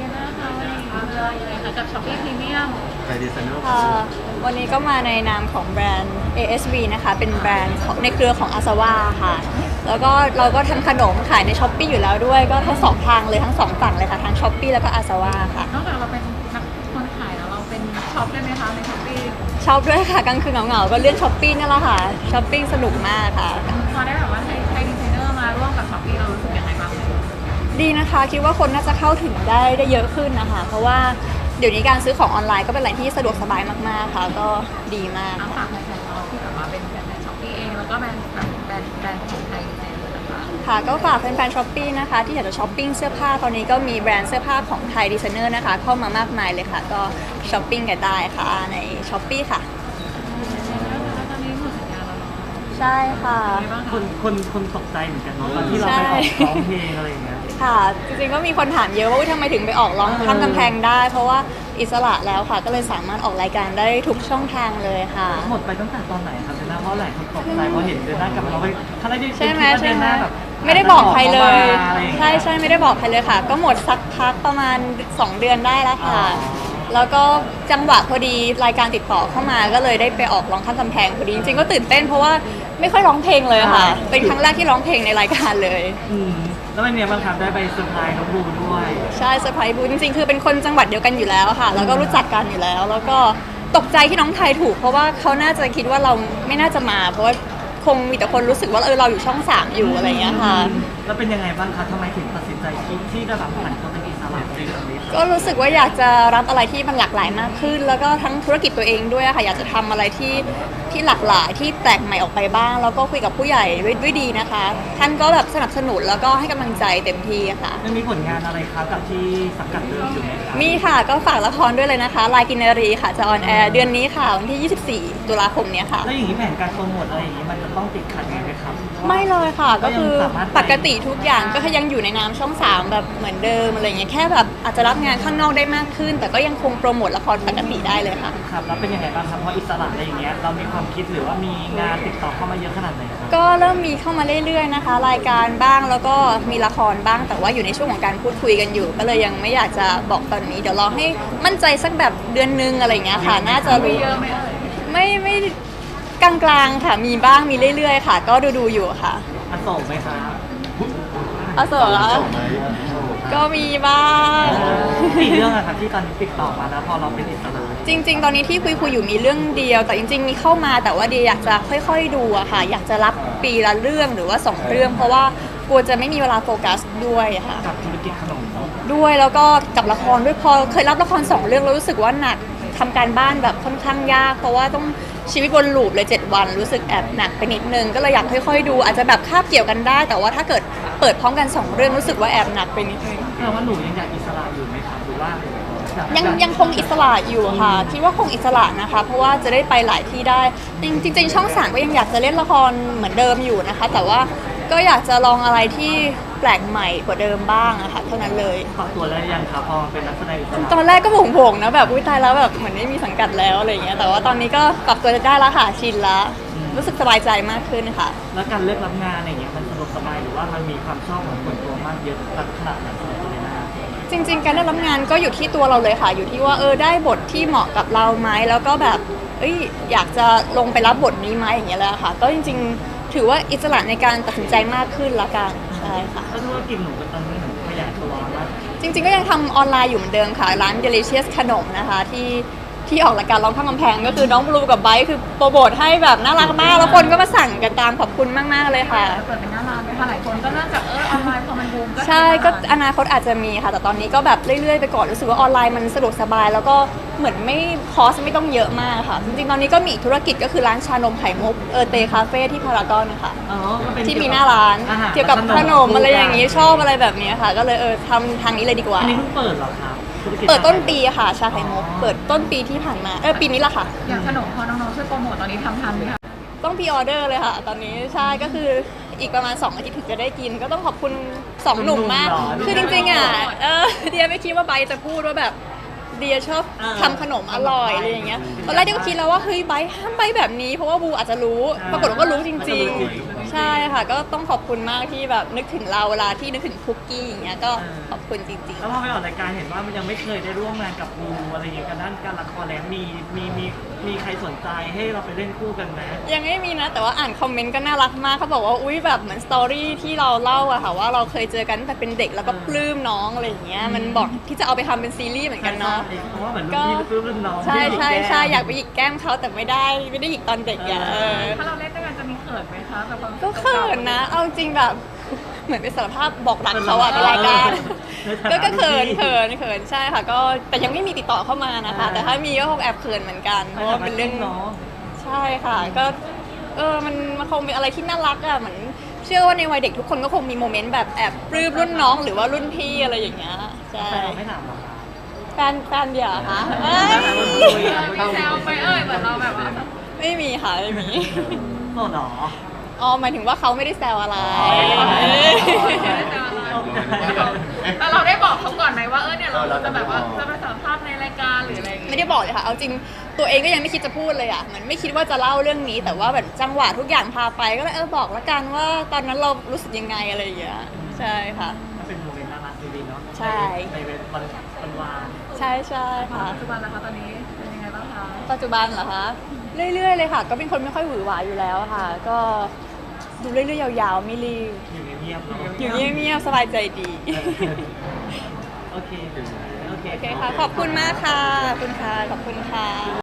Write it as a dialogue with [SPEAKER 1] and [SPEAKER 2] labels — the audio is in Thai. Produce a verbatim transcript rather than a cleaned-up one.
[SPEAKER 1] นะคะวันนี้เรื่องยังไงคะกับช้อปปี้พรีเมียม
[SPEAKER 2] ไทยดีไซเนอร์
[SPEAKER 3] ค่ะวันนี้ก็มาในนามของแบรนด์ เอ เอส วี นะคะเป็นแบรนด์ของในเครือของ Asawa ค่ะแล้วก็เราก็ทำขนมขายใน Shopee อยู่แล้วด้วยก็ทั้งสองทางเลยทั้งสองฝั่งเลยค่ะทั้ง Shopee แล้วก็ Asawa ค่ะ
[SPEAKER 1] นอกจากเราเป็นนักคนขายแล้วเราเป็นช็อปได้ไหมคะในช้อปปี้
[SPEAKER 3] ชอบด้วยค่ะกลางคืนเหงาๆก็เลื่อน Shopee นั่นแหละค่ะช้อปปิ้งสนุกมากค่ะ
[SPEAKER 1] พอได้แบบว่าไทยไทยดีไซเนอร์มาร่วมกับช้อปปี้เรารู้สึกยังไงบ้าง
[SPEAKER 3] ดีนะคะคิดว่าคนน่าจะเข้าถึงได้ได้เยอะขึ้นนะคะเพราะว่าเดี๋ยวนี้การซื้อของออนไลน์ก็เป็นอะไรที่สะดวกสบายมากๆค่ะก็ดีมาก
[SPEAKER 1] ฝากแฟนๆเราที่แบบว่าเป็นแฟนๆช้อปปี้เองแล้วก็แบรนด์แบบแบรนด์แบรนด์ของไทยดีไซเนอร์นะคะ
[SPEAKER 3] ค่ะก็ฝากแฟนๆช้อปปี้นะคะที่อยากจะช้อปปิ้งเสื้อผ้าตอนนี้ก็มีแบรนด์เสื้อผ้าของไทยดีไซเนอร์นะคะเข้ามามากมายเลยค่ะก็ช้อปปิ้งกันได้ค่ะในช้อปปี้ค่ะ
[SPEAKER 1] ตอนนี้หมดสัญญาแล้วเนาะ
[SPEAKER 3] ใช่ค่ะ
[SPEAKER 2] คนคนคนตกใจเหมือนกันเนาะตอนที่เราไปออกร้องเพลงอะไรอย่างเงี้ย
[SPEAKER 3] ค่ะจริงๆก็มีคนถามเยอะว่าทำไมถึงไปออกร้องข้ามกำแพงได้เพราะว่าอิสระแล้วค่ะก็เลยสามารถออกรายการได้ทุกช่องทางเลยค่ะ
[SPEAKER 2] หมดไปตั้งแต่ตอนไหนครับเดน่าเพราะหลายคนตกใจเพราะเห็นเดน่ากลับมาเราไปถ้าได้
[SPEAKER 3] ใช่ไหมใช่ไหม
[SPEAKER 2] แบบ
[SPEAKER 3] ไม่ได้บอกใครเลยใช่ใช่ไม่ได้บอกใครเลยค่ะก็หมดสักพักประมาณสองเดือนได้แล้วค่ะแล้วก็จังหวะพอดีรายการติดต่อเข้ามาก็เลยได้ไปออกร้องข้ามกำแพงพอดีจริงๆก็ตื่นเต้นเพราะว่าไม่ค่อยร้องเพลงเลยค่ะเป็นครั้งแรกที่ร้องเพลงในรายการเลย
[SPEAKER 2] แล้วเป็นไงบ้างครับได้ไปเซอร์ไพรส์น้องบูด้วย
[SPEAKER 3] ใช่เซอร์ไพรส์บูจริงๆคือเป็นคนจังหวัดเดียวกันอยู่แล้วค่ะแล้วก็รู้จักกันอยู่แล้วแล้วก็ตกใจที่น้องไทยถูกเพราะว่าเขาน่าจะคิดว่าเราไม่น่าจะมาเพราะว่าคงมีแต่คนรู้สึกว่าเออเราอยู่ช่องสามอยู่อะไรอย่างเงี้ยค่ะ
[SPEAKER 2] แล้วเป็นยังไงบ้างคะทำไมถึงตัดสินใจคิดที่จะแบบผันตัวเป็นอิสระในเรื่องนี้
[SPEAKER 3] ก็รู้สึกว่าอยากจะรับอะไรที่มันหลากหลายมากขึ้นแล้วก็ทั้งธุรกิจตัวเองด้วยค่ะอยากจะทำอะไรที่ที่หลากหลายที่แปลกใหม่ออกไปบ้างแล้วก็คุยกับผู้ใหญ่ด้วยด้วยดีนะคะท่านก็แบบสนับสนุนแล้วก็ให้กำลังใจเต็มที่ค่ะ
[SPEAKER 2] ยังมีผลงานอะไรคะกับที่สังกัดเดิมอยู่ไหมคะ
[SPEAKER 3] มีค่ะก็ฝากละครด้วยเลยนะคะลายกินนารีค่ะจะออนแอร์เดือนนี้ค่ะวันที่ยี่สิบสี่ตุลาคมนี้ค่ะ
[SPEAKER 2] แล้วอย่างนี้แผนการโปรโมทอะไรอย่างนี้มันจะต้องติดขัดไงไหมครับ
[SPEAKER 3] ไม่เลยค่ะก็คือปกติทุกอย่างก็ยังอยู่ในนามช่องสามแบบเหมือนเดิมอะไรเงี้ยแค่แบบอาจจะรับงานข้างนอกได้มากขึ้นแต่ก็ยังคงโปรโมทละครปกติได้เลยค่ะ
[SPEAKER 2] ครับแล้วเป็นยังไงบ้างครับเพราะอิสระอะไรอย่างเงี้ยเรามีความคิดหรือว่ามีงานติดต่อเข้ามาเยอะขนาดไหนครับ
[SPEAKER 3] ก็เริ่มมีเข้ามาเรื่อยๆนะคะรายการบ้างแล้วก็มีละครบ้างแต่ว่าอยู่ในช่วงของการพูดคุยกันอยู่ก็เลยยังไม่อยากจะบอกตอนนี้เดี๋ยวรอให้มั่นใจสักแบบเดือนนึงอะไรเงี้ยค่ะน่าจะรู้
[SPEAKER 1] เยอะไหม
[SPEAKER 3] ไม่ไม่กลางๆค่ะมีบ้างมีเรื่อยๆค่ะก็ดูๆอยู่ค่ะ
[SPEAKER 2] อโศกไหมคะ
[SPEAKER 3] อโศกเหรอก็มีบ้าง
[SPEAKER 2] มีเรื่องอะครับที่ตอนนี้ติดต่อมาแล้วพอเราเป็นอิสระ
[SPEAKER 3] จริงๆตอนนี้ที่คุยคุยอยู่มีเรื่องเดียวแต่จริงๆมีเข้ามาแต่ว่าเดียอยากจะค่อยๆดูอะค่ะอยากจะรับปีละเรื่องหรือว่าสองเรื่องเพราะว่ากลัวจะไม่มีเวลาโฟกัสด้วยค่ะ
[SPEAKER 2] กับธุรกิจขนม
[SPEAKER 3] ด้วยแล้วก็กับละครด้วยพอเคยรับละครสองเรื่องแล้วรู้สึกว่าหนักทำการบ้านแบบค่อนข้างยากเพราะว่าต้องชีวิตวนลูปเลยเจ็ดวันรู้สึกแอบหนักไปนิดนึงก็เลยอยากค่อยๆดูอาจจะแบบคาบเกี่ยวกันได้แต่ว่าถ้าเกิดเปิดพร้อมกันสองเรื่องรู้สึกว่าแอบหนักไปนิดนึง
[SPEAKER 2] แปลว่าหนูยังอยากอิสระอยู่ไหมครับหรือว่า
[SPEAKER 3] ยังยังคงอิสระอยู่ค่ะคิดว่าคงอิสระนะคะเพราะว่าจะได้ไปหลายที่ได้จริงๆช่องสามก็ยังอยากจะเล่นละครเหมือนเดิมอยู่นะคะแต่ว่าก็อยากจะลองอะไรที่แปลกใหม่กว่าเดิมบ้างอะค่ะเท่านั้นเลย
[SPEAKER 2] ปรับตัวแล้วยังครับพอเป็นนักแสดงอิสระ
[SPEAKER 3] ตอนแรกก็โผงๆนะแบบอุ้ยตายแล้วแบบเหมือนไม่มีสังกัดแล้วอะไรอย่างเงี้ยแต่ว่าตอนนี้ก็ปรับตัวได้แล้วค่ะชินแล้วรู้สึกสบายใจมากขึ้นค่ะ
[SPEAKER 2] แล้วการเลือกรับงานอะไรอย่างเงี้ยมันสะดวกสบายหรือว่ามันมีความชอบของคนตัวมากเยอะขนาดไหนสำหรับตัวเดน่า
[SPEAKER 3] จริงๆการได้รับงานก็อยู่ที่ตัวเราเลยค่ะอยู่ที่ว่าเออได้บทที่เหมาะกับเราไหมแล้วก็แบบเอ้ยอยากจะลงไปรับบทนี้ไหมอย่างเงี้ยแหละค่ะก็จริงๆถือว่าอิสระในการตัดสินใจมากขึ้นละกันใช่ค่ะ
[SPEAKER 2] แล้วธุรกิจหนูตอนนี้หนูขยายตัวมาก
[SPEAKER 3] จริงๆก็ยังทำออนไลน์อยู่เหมือนเดิมค่ะร้าน Delicious ขนมนะคะที่ที่ออกรายการร้องข้ามกำแพงก็คือน้องบลูกับไบค์คือโปรโมทให้แบบน่ารักมากแล้วคนก็มาสั่งกันตามขอบคุณมากๆเลยค่ะ
[SPEAKER 1] เปิดเป็นหน้าร้านไหมคะหลายคนก็เริ่มจากเออออนไลน์พอมันบูมก็
[SPEAKER 3] ใช่ก็อนาคตอาจจะมีค่ะแต่ตอนนี้ก็แบบเรื่อยๆไปก่อนรู้สึกว่าออนไลน์มันสะดวกสบายแล้วก็เหมือนไม่คอสไม่ต้องเยอะมากค่ะจริงๆตอนนี้ก็มีธุรกิจก็คือร้านชานมไข่มุกเออเตคาเฟ่ที่พารากอนค่ะที่มีหน้าร้านเกี่ยวกับขนมอะไรอย่างนี้ชอบอะไรแบบนี้ค่ะก็เลยเออทำทางนี้เลยดีกว่า
[SPEAKER 2] อันนี้เพิ่งเปิดเหรอครับ
[SPEAKER 3] เปิดต้นปีค่ะชาไข่มุกเปิดต้นปีที่ผ่านมาเออปีนี้แหละค่ะ
[SPEAKER 1] อย่างขนมพอน้องๆช่วยโปรโมทตอนนี้ทำทันไหมคะ
[SPEAKER 3] ต้องพรีออเดอร์เลยค่ะตอนนี้ใช่ก็คืออีกประมาณสองอาทิตย์ถึงจะได้กินก็ต้องขอบคุณสองหนุ่มมากคือจริงๆอ่ะเออเดียไม่คิดว่าไบจะพูดว่าแบบเดียชอบทำขนมอร่อยอะไรอย่างเงี้ยตอนแรกเดียก็คิดแล้วว่าเฮ้ยไบห้ามไปแบบนี้เพราะว่าบูอาจจะรู้ปรากฏว่าก็รู้จริงๆใช่ค่ะก็ต้องขอบคุณมากที่แบบนึกถึงเราเวลาที่นึกถึงคุกกี้อย่างเงี้ยก็ขอบคุณจริง
[SPEAKER 2] แล้วพอไปออกรายการเห็นว่ามันยังไม่เคยได้ร่วมงานกับบูอะไรอย่างเงี้ยกันด้านการละครแล้วมีมีมีมีใครสนใจให้เราไปเล่นคู่กันไหม
[SPEAKER 3] ๆยังไม่มีนะแต่ว่าอ่านคอมเมนต์ก็น่ารักมากเขาบอกว่าอุ้ยแบบเหมือนสตอรี่ที่เราเล่าอะค่ะว่าเราเคยเจอกันตั้งแต่เป็นเด็กแล้วก็ปลื้มน้องอะไรอย่างเงี้ยมันบอกที่จะเอาไปทำเป็นซีรีส์เหมือนกันเนาะ
[SPEAKER 2] เพราะว่าเหมือนรุ่นพี่ปลื้มรุ่นน้อง
[SPEAKER 3] ใช่ใช่ใช่
[SPEAKER 2] ที่
[SPEAKER 3] อยากไปหยิกแก้มเขาแต่ไม่ได้ไม่ได้หยิกตอนเด็กอย่าเออ
[SPEAKER 1] ถ้าเราเล่นด้วยกันจะมีเขินไหมคะแบบความ
[SPEAKER 3] ก็เขินนะ เอาจริงแบบเหมือนเป็นสารภาพบอกรักเขาอะในรายการ ก็ก็เขินเขินเขินใช่ค่ะก็แต่ยังไม่มีติดต่อเข้ามานะคะ แต่ถ้ามีก็คงแอบเขินเหมือนกันเพราะว่าเป็นเรื่อง
[SPEAKER 2] น้อง
[SPEAKER 3] ใช่ค่ะก็เออมันมันคงเป็นอะไรที่น่ารักอะเหมือนเชื่อว่าในวัยเด็กทุกคนก็คงมีโมเมนต์แบบแอบปลื้มรุ่นน้องหรือว่ารุ่นพี่อะไรอย่างเงี้ยใช่
[SPEAKER 2] แต่เราไม่ถามหรอกค่ะ
[SPEAKER 3] แฟนแฟนเดียวเหรอคะเอ้ย
[SPEAKER 1] มีแซวไปเอ่ยเหมือนเราแบบว่า
[SPEAKER 3] ไม่มีค่ะไม่มี
[SPEAKER 2] โสดเหรอ
[SPEAKER 3] อ๋อหมายถึงว่าเขาไม่ได้แซวอะไร
[SPEAKER 1] แต่เราได้บอกเขาก่อนไหมว่าเออเนี่ยเราจะแบบว่าจะไปสัมภาษณ์ในรายการหรืออะไรอย่างเงี้ย
[SPEAKER 3] ไม่ได้บอกเลยค่ะ เอาจริงตัวเองก็ยังไม่คิดจะพูดเลยอ่ะเหมือนไม่คิดว่าจะเล่าเรื่องนี้ แต่ว่าแบบจังหวะทุกอย่างพาไปก็เลยเออบอกละกันว่าตอนนั้นเรารู้สึกยังไงอะไรอย่างเงี้ยใช่ค่ะ
[SPEAKER 2] มันเป็นโมเมนต์น่ารักดีๆเนาะ
[SPEAKER 3] ใช่
[SPEAKER 2] ในวันวันวาน
[SPEAKER 3] ใช่ใช่ค่ะ
[SPEAKER 1] ปัจจุบันนะคะตอนนี้เป็นยังไงบ้างคะ
[SPEAKER 3] ปัจจุบันเหรอคะเรื่อยๆเลยค่ะ ก็เป็นคนไม่ค่อยหวือหวาอยู่แล้วค่ะ ก็ดูเรื่อยๆยาวๆไม่รีบ
[SPEAKER 2] อยู่เงียบๆเนาะ
[SPEAKER 3] อยู่เงียบๆสบายใจดี
[SPEAKER 2] โอเค โอเค
[SPEAKER 3] โอเคค่ะ ขอบคุณมากค่ะขอบคุณค่ะขอบคุณค่ะ